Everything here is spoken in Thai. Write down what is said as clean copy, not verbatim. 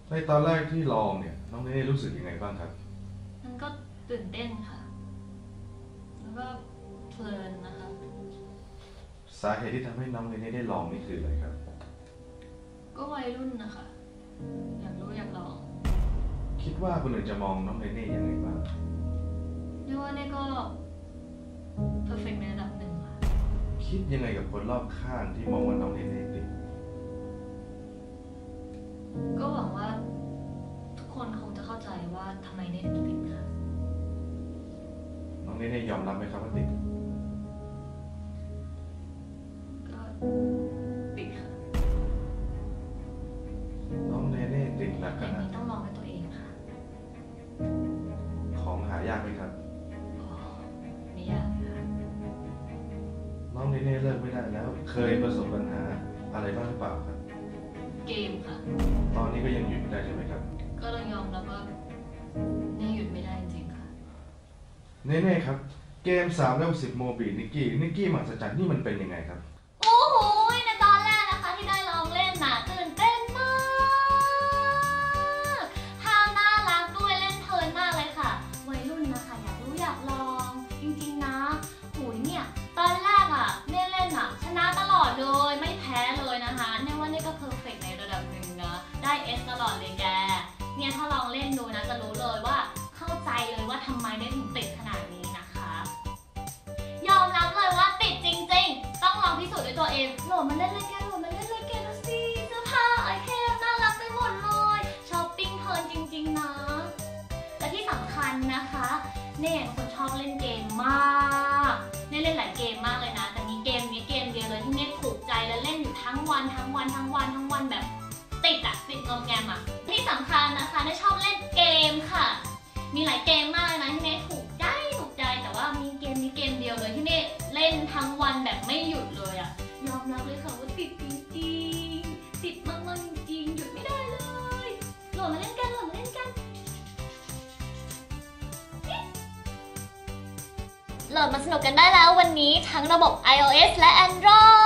ในตอนแรกที่ลองเนี่ยน้องเนเน่รู้สึกยังไงบ้างครับมันก็ตื่นเต้นค่ะแล้วก็เพลินนะคะสาเหตุที่ทำให้น้องเนเน่ได้ลองนี่คืออะไรครับก็วัยรุ่นนะคะอยากรู้อยากลองคิดว่าคนอื่นจะมองน้องเนเน่ยังไงบ้างเรียกว่าเนี่ยก็เพอร์เฟกต์ในระดับหนึ่งค่ะคิดยังไงกับคนรอบข้างที่มองว่าน้องเนเน่ติดก็หวังว่าทุกคนคงจะเข้าใจว่าทำไมเนี่ยถึงติดค่ะน้องเนเน่ยอมรับไหมครับว่าติดก็ติดค่ะน้องเนเน่ติดหนักขอย่างนาดนี้ต้องลองด้วยตัวเองค่ะของหายากไหมครับอ๋อไม่ยากค่ะน้องเนเน่เลิกไม่ได้แล้วเคยประสบปัญหาอะไรบ้างหรือเปล่าครับเกมค่ะตอนนี้ก็ยังหยุดไม่ได้ใช่ไหมครับก็ต้องยอมรับว่าเนี่ยหยุดไม่ได้จริงๆค่ะเนเน่ครับเกม3 เลเวล 10โมบีนิกกี้มหัศจรรย์นี่มันเป็นยังไงครับโอ้โหในตอนแรกนะคะที่ได้ลองเล่นน่ะตื่นเต้นมากท่าน่ารักด้วยเล่นเพลินมากเลยค่ะวัยรุ่นนะคะอยากรู้อยากลองจริงๆนะหูยเนี่ยตอนแรกอ่ะเล่นอ่ะชนะตลอดเลยไม่แพ้เลยนะคะเนี่ยว่านี่ก็เพอร์เฟกต์ในระดับหนึ่งนะได้เอสตลอดเลยแกเนี่ยถ้าลองเล่นดูนะจะรู้เลยว่าเข้าใจเลยว่าทำไมได้ถึงติดขนาดนี้นะคะยอมรับเลยว่าติดจริงๆต้องลองพิสูจน์ด้วยตัวเองโหลดมาเล่นเลยแกโหลดมาเล่นเลยแกดูสิเสื้อผ้าไอเทมน่ารักไปหมดเลยช้อปปิ้งเพลินจริงๆนะและที่สำคัญนะคะเนี่ยเป็นคนชอบเล่นเกมมากเนี่ยเล่นหลายเกมมากเลยนะแต่มีเกมนี้เกมเดียวเลยที่เนี่ยถูกใจและเล่นอยู่ทั้งวันแบบติดงอมแงมอ่ะที่สำคัญนะคะเนี่ยชอบเล่นเกมค่ะมีหลายเกมมากนะที่เนี่ยถูกใจแต่ว่ามีเกมนี้เกมเดียวเลยที่เนี่ยเล่นทั้งวันแบบไม่หยุดเลยอ่ะยอมรับเลยค่ะว่าติดจริงๆติดมากๆจริงๆหยุดไม่ได้เลยโหลดมาเล่นกันโหลดมาเล่นกันโหลดมาสนุกกันได้แล้ววันนี้ทั้งระบบ iOS และ Android